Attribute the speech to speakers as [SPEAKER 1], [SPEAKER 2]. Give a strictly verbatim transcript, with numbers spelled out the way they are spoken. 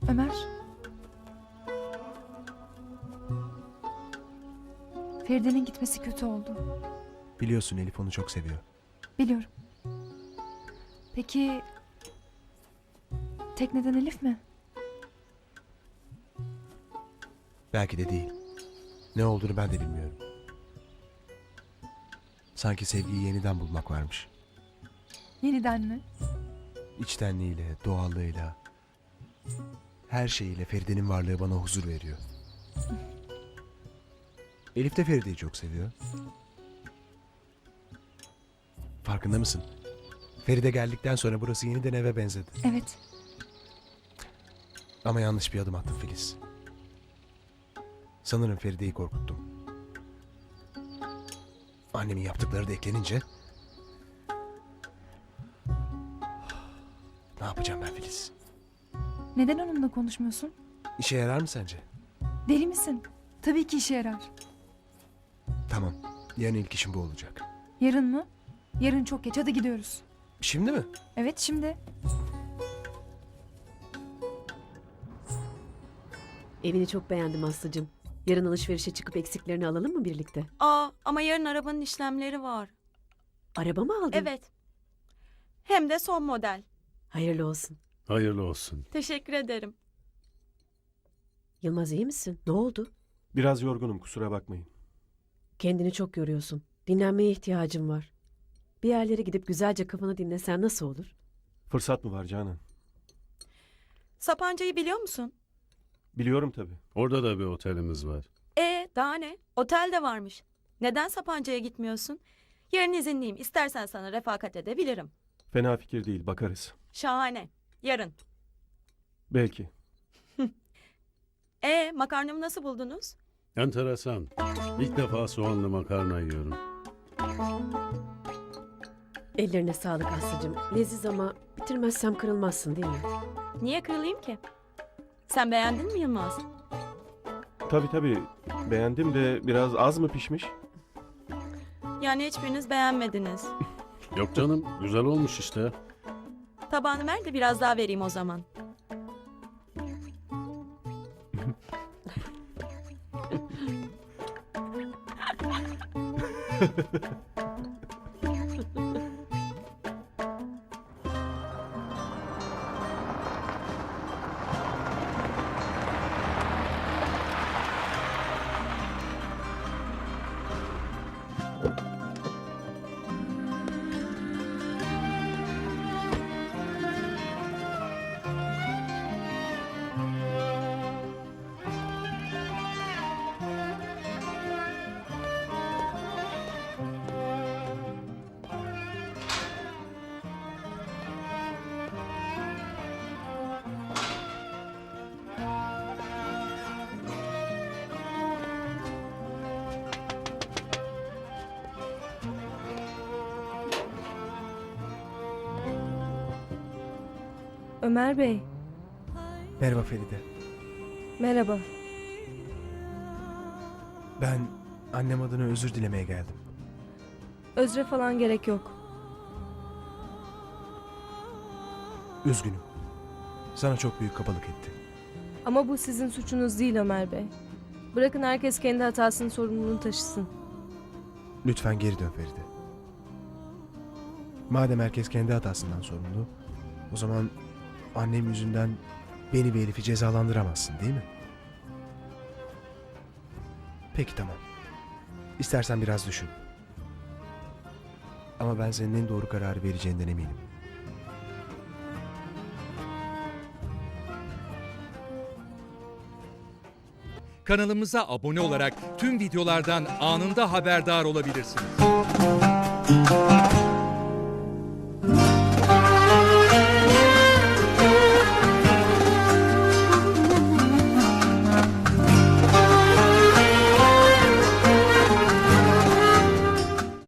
[SPEAKER 1] Ömer. Feride'nin gitmesi kötü oldu.
[SPEAKER 2] Biliyorsun Elif onu çok seviyor.
[SPEAKER 1] Biliyorum. Peki... Tekneden Elif mi?
[SPEAKER 2] Belki de değil. Ne olduğunu ben de bilmiyorum. Sanki sevgiyi yeniden bulmak varmış.
[SPEAKER 1] Yeniden mi?
[SPEAKER 2] İçtenliğiyle, doğallığıyla, her şeyiyle Feride'nin varlığı bana huzur veriyor. Elif de Feride'yi çok seviyor. Farkında mısın? Feride geldikten sonra burası yeniden eve benzedi.
[SPEAKER 1] Evet.
[SPEAKER 2] Ama yanlış bir adım attım Filiz. Sanırım Feride'yi korkuttum. Annemin yaptıkları da eklenince... Ne yapacağım ben Filiz?
[SPEAKER 1] Neden onunla konuşmuyorsun?
[SPEAKER 2] İşe yarar mı sence?
[SPEAKER 1] Deli misin? Tabii ki işe yarar.
[SPEAKER 2] Tamam. Yarın ilk işim bu olacak.
[SPEAKER 1] Yarın mı? Yarın çok geç. Hadi gidiyoruz.
[SPEAKER 2] Şimdi mi?
[SPEAKER 1] Evet, şimdi.
[SPEAKER 3] Evini çok beğendim Aslı'cığım. Yarın alışverişe çıkıp eksiklerini alalım mı birlikte?
[SPEAKER 4] Aa, ama yarın arabanın işlemleri var.
[SPEAKER 3] Araba mı aldın?
[SPEAKER 4] Evet. Hem de son model.
[SPEAKER 3] Hayırlı olsun.
[SPEAKER 5] Hayırlı olsun.
[SPEAKER 4] Teşekkür ederim.
[SPEAKER 3] Yılmaz iyi misin? Ne oldu?
[SPEAKER 6] Biraz yorgunum, kusura bakmayın.
[SPEAKER 3] Kendini çok yoruyorsun. Dinlenmeye ihtiyacın var. Bir yerlere gidip güzelce kafanı dinlesen nasıl olur?
[SPEAKER 6] Fırsat mı var Canan?
[SPEAKER 4] Sapanca'yı biliyor musun?
[SPEAKER 6] Biliyorum tabii.
[SPEAKER 5] Orada da bir otelimiz var.
[SPEAKER 4] E daha ne? Otel de varmış. Neden Sapanca'ya gitmiyorsun? Yarın izinliyim. İstersen sana refakat edebilirim.
[SPEAKER 6] Fena fikir değil, bakarız.
[SPEAKER 4] Şahane. Yarın.
[SPEAKER 6] Belki.
[SPEAKER 4] E makarnamı nasıl buldunuz?
[SPEAKER 5] Enteresan. İlk defa soğanlı makarna yiyorum.
[SPEAKER 3] Ellerine sağlık Aslı'cığım. Leziz ama bitirmezsem kırılmazsın değil mi?
[SPEAKER 4] Niye kırılayım ki? Sen beğendin mi Yılmaz?
[SPEAKER 6] Tabii tabii, beğendim de biraz az mı pişmiş?
[SPEAKER 4] Yani hiçbiriniz beğenmediniz.
[SPEAKER 5] Yok canım, güzel olmuş işte.
[SPEAKER 4] Tabağını ver de biraz daha vereyim o zaman.
[SPEAKER 7] Ömer Bey,
[SPEAKER 2] Merhaba Feride.
[SPEAKER 7] merhaba.
[SPEAKER 2] Ben annem adına özür dilemeye geldim.
[SPEAKER 7] Özre falan gerek yok.
[SPEAKER 2] Üzgünüm. Sana çok büyük kabalık etti.
[SPEAKER 7] Ama bu sizin suçunuz değil Ömer Bey. Bırakın herkes kendi hatasının sorumluluğunu taşısın.
[SPEAKER 2] Lütfen geri dön Feride. Madem herkes kendi hatasından sorumlu, o zaman annem yüzünden beni ve Elif'i cezalandıramazsın değil mi? Peki tamam. İstersen biraz düşün. Ama ben senin en doğru kararı vereceğinden eminim.
[SPEAKER 8] Kanalımıza abone olarak tüm videolardan anında haberdar olabilirsiniz.